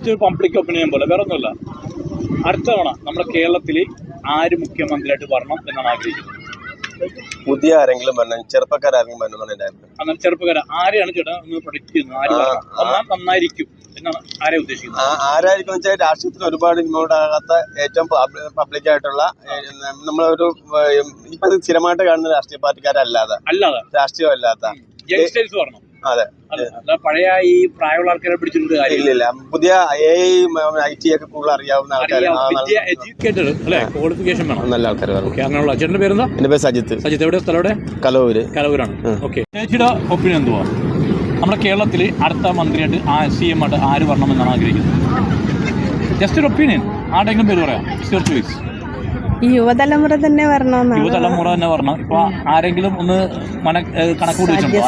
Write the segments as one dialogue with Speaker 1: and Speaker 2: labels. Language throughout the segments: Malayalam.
Speaker 1: ജസ്റ്റ് ഒരു പബ്ലിക് ഒപ്പീനിയൻ പോലെ വേറെ ഒന്നുമല്ല. അടുത്ത തവണ നമ്മുടെ കേരളത്തിൽ ആര് മുഖ്യമന്ത്രിയായിട്ട് വരണം എന്നാണ് ആഗ്രഹിക്കുന്നത്?
Speaker 2: പുതിയ ആരെങ്കിലും വരണം, ചെറുപ്പക്കാരെങ്കിലും വരണം എന്നാണ് എൻ്റെ അഭിപ്രായം.
Speaker 1: അങ്ങനെ ചെറുപ്പക്കാരെ ആരെയാണ് ചേട്ടാ ഒന്ന് പ്രൊഡിക്ട് ചെയ്യുന്നത്? ആര് വന്നാൽ നന്നായിരിക്കും എന്നാണ് ആരെ ഉദ്ദേശിക്കുന്നത്?
Speaker 2: ആരായിരിക്കും വെച്ചാൽ രാഷ്ട്രീയത്തിൽ ഒരുപാട് ഇൻവോൾവ് ആകാത്ത ഏറ്റവും പബ്ലിക്കായിട്ടുള്ള നമ്മളൊരു ഇപ്പൊ സ്ഥിരമായിട്ട് കാണുന്ന രാഷ്ട്രീയ പാർട്ടിക്കാരല്ലാതെ രാഷ്ട്രീയം അല്ലാത്ത
Speaker 1: യങ്സ്റ്റേഴ്സ് വരണം.
Speaker 2: അതെ,
Speaker 1: പഴയ ഈ പ്രായമുള്ള ആൾക്കാരെ പിടിച്ചിട്ടുണ്ട്.
Speaker 2: ഇല്ലില്ല, പുതിയ IT ഒക്കെ കൂടുതൽ അറിയാവുന്ന ആൾക്കാർ,
Speaker 1: എഡ്യൂക്കേറ്റഡ് അല്ലെ, ക്വാളിഫിക്കേഷൻ വേണം, നല്ല ആൾക്കാർ വരണം. അങ്ങനെയുള്ള ചേട്ടൻ്റെ പേരെന്താ?
Speaker 2: എൻ്റെ പേര് സജിത്ത്.
Speaker 1: സജിത്ത് എവിടെ സ്ഥലം? കലവൂരാണ്. ഓക്കെ, ചേച്ചിയുടെ ഒപ്പീനിയൻ എന്തുവാ? നമ്മുടെ കേരളത്തിൽ അടുത്ത മന്ത്രിയായിട്ട് CM ആയിട്ട് ആര് വരണമെന്നാണ് ആഗ്രഹിക്കുന്നത്? ജസ്റ്റ് ഒരു ഒപ്പീനിയൻ, ആരുടെയെങ്കിലും പേര് പറയാം.
Speaker 3: യുവതലമുറ തന്നെ വരണം.
Speaker 1: യുവതലമുറ തന്നെ വരണം. ഇപ്പൊ ആരെങ്കിലും ഒന്ന് കണക്കൂടി വെച്ചിട്ടുണ്ടോ?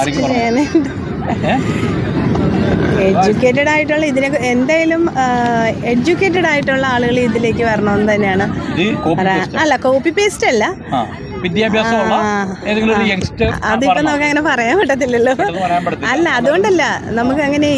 Speaker 3: എഡ്യൂക്കേറ്റഡ് ആയിട്ടുള്ള ഇതിനെ എന്തായാലും എഡ്യൂക്കേറ്റഡ് ആയിട്ടുള്ള ആളുകൾ ഇതിലേക്ക് വരണമെന്ന് തന്നെയാണ്. അല്ല, കോപ്പി പേസ്റ്റ് അല്ല,
Speaker 1: വിദ്യാഭ്യാസമുള്ള ഏതെങ്കിലും ഒരു യങ്സ്റ്റർ.
Speaker 3: അതിപ്പോ നമുക്ക് അങ്ങനെ പറയാൻ പറ്റത്തില്ലല്ലോ. അല്ല, അതുകൊണ്ടല്ല, നമുക്ക് അങ്ങനെ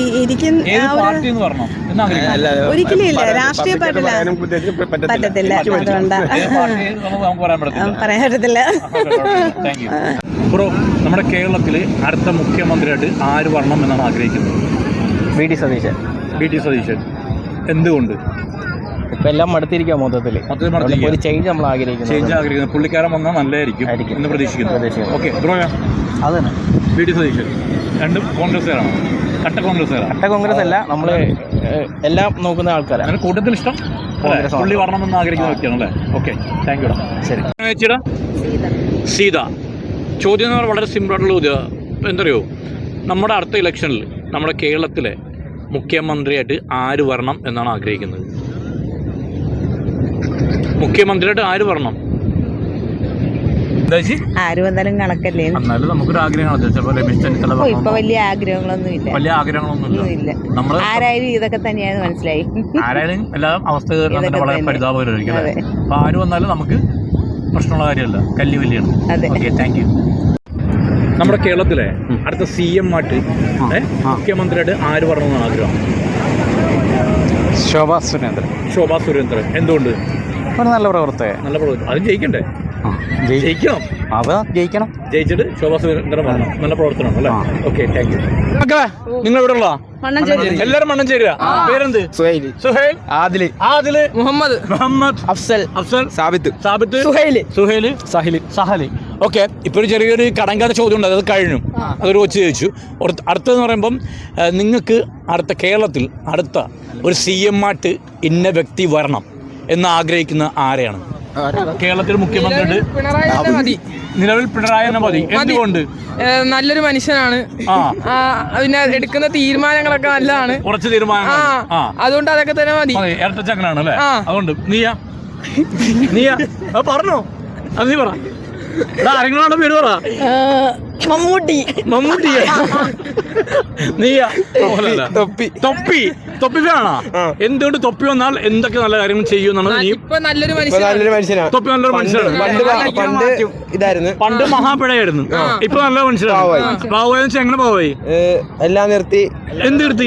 Speaker 3: ഒരിക്കലും ഇല്ല, രാഷ്ട്രീയ പാർട്ടില്ല പറ്റത്തില്ല, അതുകൊണ്ടാ പറയാൻ പറ്റത്തില്ല.
Speaker 1: ബ്രോ, നമ്മുടെ കേരളത്തിൽ അടുത്ത മുഖ്യമന്ത്രിയായിട്ട് ആര് വരണം എന്നാണ് ആഗ്രഹിക്കുന്നത്?
Speaker 4: VD സതീശൻ.
Speaker 1: എന്തുകൊണ്ട്?
Speaker 4: ഇപ്പം എല്ലാം മടുത്തിരിക്കുക മൊത്തത്തിൽ. ഒരു ചേഞ്ച് നമ്മൾ ആഗ്രഹിക്കുന്നു.
Speaker 1: പുള്ളിക്കാരൻ വന്നാൽ നല്ലതായിരിക്കും എന്ന് പ്രതീക്ഷിക്കുന്നു. ഓക്കെ ബ്രോ,
Speaker 4: അത് തന്നെ
Speaker 1: VD സതീശൻ. രണ്ടും കോൺഗ്രസ്സുകാരാണ്. കട്ട കോൺഗ്രസ് അല്ല, നമ്മൾ എല്ലാം നോക്കുന്ന ആൾക്കാരാണ്. അങ്ങനെ കൂട്ടത്തിൽ ഇഷ്ടം പുള്ളി വരണമെന്ന് ആഗ്രഹിക്കുന്ന വ്യക്തിയാണല്ലേ? Okay, thank U. ശരി ചേച്ചിയുടെ സീത. ചോദ്യം എന്ന് പറഞ്ഞാൽ വളരെ സിമ്പിളായിട്ടുള്ള ചോദ്യം. എന്തറിയോ, നമ്മുടെ അടുത്ത ഇലക്ഷനിൽ നമ്മുടെ കേരളത്തിലെ മുഖ്യമന്ത്രിയായിട്ട് ആര് വരണം എന്നാണ് ആഗ്രഹിക്കുന്നത്? മുഖ്യമന്ത്രിയായിട്ട് ആര് വരണം?
Speaker 3: ആര് വന്നാലും കണക്കല്ലേ.
Speaker 1: എന്നാലും നമുക്കൊരു ആഗ്രഹമാണ്. രമേശ് ചെന്നിത്തല
Speaker 3: ഇപ്പൊ വലിയ ആഗ്രഹങ്ങളൊന്നുമില്ല.
Speaker 1: നമ്മൾ
Speaker 3: ആരായാലും ഇതൊക്കെ തന്നെയാണെന്ന് മനസ്സിലായി.
Speaker 1: ആരായാലും എല്ലാ അവസ്ഥ വളരെ പരിതാപകരമായിരിക്കും. അപ്പൊ ആര് വന്നാലും നമുക്ക് പ്രശ്നമുള്ള കാര്യമല്ല, കല്ലുവല്ലിയാണ്. Okay, thank U. നമ്മുടെ കേരളത്തിലെ അടുത്ത CM ആയിട്ട് മുഖ്യമന്ത്രിയായിട്ട് ആര് വരണമെന്നാണ് ആഗ്രഹം? ശോഭാ സുരേന്ദ്രൻ. എന്തുകൊണ്ട്?
Speaker 4: നല്ല പ്രവർത്തകൻ.
Speaker 1: അത് ജയിക്കണ്ടേ? ജയിക്കണം. ജയിച്ചിട്ട് ശോഭാ സുരേന്ദ്രൻ വരണം. നല്ല പ്രവർത്തനം അല്ലേ? Okay, thank you. നിങ്ങൾ എവിടെ ഉള്ള? എല്ലാരും മണ്ണഞ്ചേരി. പേരെന്ത്? സുഹൈൽ, ആദില്, മുഹമ്മദ്, അഫ്സൽ, സാബിത്ത്, സുഹൈൽ, സഹലി. ഓക്കെ, ഇപ്പൊ ഒരു ചെറിയൊരു കടങ്കാത്ത ചോദ്യം ഉണ്ട്, അത് കഴിഞ്ഞു. അതൊരു കൊച്ചു ചോദിച്ചു. അടുത്തതെന്ന് പറയുമ്പം നിങ്ങൾക്ക് അടുത്ത കേരളത്തിൽ അടുത്ത ഒരു CM ആയിട്ട് ഇന്ന വ്യക്തി വരണം എന്ന് ആഗ്രഹിക്കുന്ന ആരെയാണ്? കേരളത്തിൽ മുഖ്യമന്ത്രി നിലവിൽ പിണറായി തന്നെ മതി. എന്തുകൊണ്ട്?
Speaker 5: നല്ലൊരു മനുഷ്യനാണ്. പിന്നെ എടുക്കുന്ന തീരുമാനങ്ങളൊക്കെ നല്ലതാണ്.
Speaker 1: കുറച്ച് തീരുമാനങ്ങൾ,
Speaker 5: അതുകൊണ്ട് അതൊക്കെ തന്നെ മതി.
Speaker 1: ഇരട്ടച്ചക്കനാണ് അല്ലേ? അതുകൊണ്ട് നീയാ പറഞ്ഞോ, അത് നീ പറ. ആരെങ്കിലും പേര് പറ.
Speaker 3: മമ്മൂട്ടി.
Speaker 1: നീയാ? തൊപ്പി വേണോ? എന്തുകൊണ്ട് തൊപ്പി വന്നാൽ എന്തൊക്കെ നല്ല കാര്യങ്ങൾ ചെയ്യുമെന്നാണ് നീ?
Speaker 5: നല്ലൊരു മനുഷ്യനാണ്.
Speaker 1: തൊപ്പി നല്ലൊരു മനുഷ്യനാണ്. പണ്ട് മഹാപിഴയായിരുന്നു, ഇപ്പൊ നല്ല മനുഷ്യനാണ്. പാവായി എങ്ങനെ പാവായി?
Speaker 2: എല്ലാം നിർത്തി.
Speaker 1: എന്ത് നിർത്തി?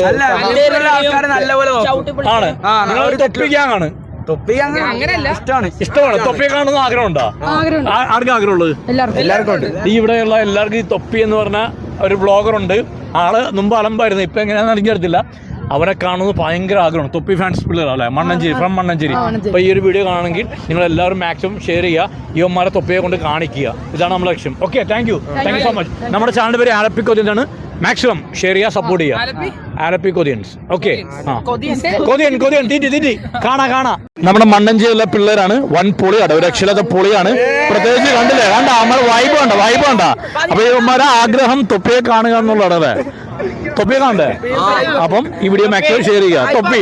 Speaker 1: ആണ് തൊപ്പിക്കാണ്. ഇഷ്ടമാണ്. തൊപ്പിയെ കാണുന്ന ആഗ്രഹമുണ്ടോ? ആർക്കും ആഗ്രഹമുള്ളത്?
Speaker 2: എല്ലാവർക്കും.
Speaker 1: ഈ ഇവിടെയുള്ള എല്ലാവർക്കും ഈ തൊപ്പി എന്ന് പറഞ്ഞ ഒരു ബ്ലോഗറുണ്ട്. ആള് മുമ്പ് അലമ്പായിരുന്നു, ഇപ്പൊ എങ്ങനെയാണെന്ന് എനിക്കറിയത്തില്ല. അവരെ കാണുന്നത് ഭയങ്കര ആഗ്രഹമാണ്. തൊപ്പി ഫാൻസ് പിള്ളേർ അല്ലേ? ഫ്രം മണ്ണഞ്ചേരി. അപ്പോൾ ഈ ഒരു വീഡിയോ കാണണമെങ്കിൽ നിങ്ങൾ എല്ലാവരും മാക്സിമം ഷെയർ ചെയ്യുക, ഇവന്മാരെ തൊപ്പിയെ കൊണ്ട് കാണിക്കുക. ഇതാണ് നമ്മുടെ ലക്ഷ്യം. Okay, thank you so much. നമ്മുടെ ചാനലിൻ്റെ പേര് ആലപ്പി കൊതിയൻസ്. മാക്സിമം ഷെയർ ചെയ്യുക, സപ്പോർട്ട് ചെയ്യുക. ആലപ്പി കൊതിയൻസ്. ഓക്കെ, കൊതിയൻ തീറ്റി കാണാ. നമ്മുടെ മണ്ണഞ്ചേരിയിലെ പിള്ളേരാണ്. വൻ പൊളിയാണ്, ഒരു രക്ഷയില്ലാത്ത പൊളിയാണ്. പ്രത്യേകിച്ച് കണ്ടില്ലേ, നമ്മുടെ വൈബ് കണ്ട. അപ്പൊ ഇവന്മാരെ ആഗ്രഹം തൊപ്പിയെ കാണുക എന്നുള്ളതാണ്. തൊപ്പിയെ കാണണ്ടേ? അപ്പം ഈ വീഡിയോ മാക്സിമം ഷെയർ ചെയ്യുക. തൊപ്പി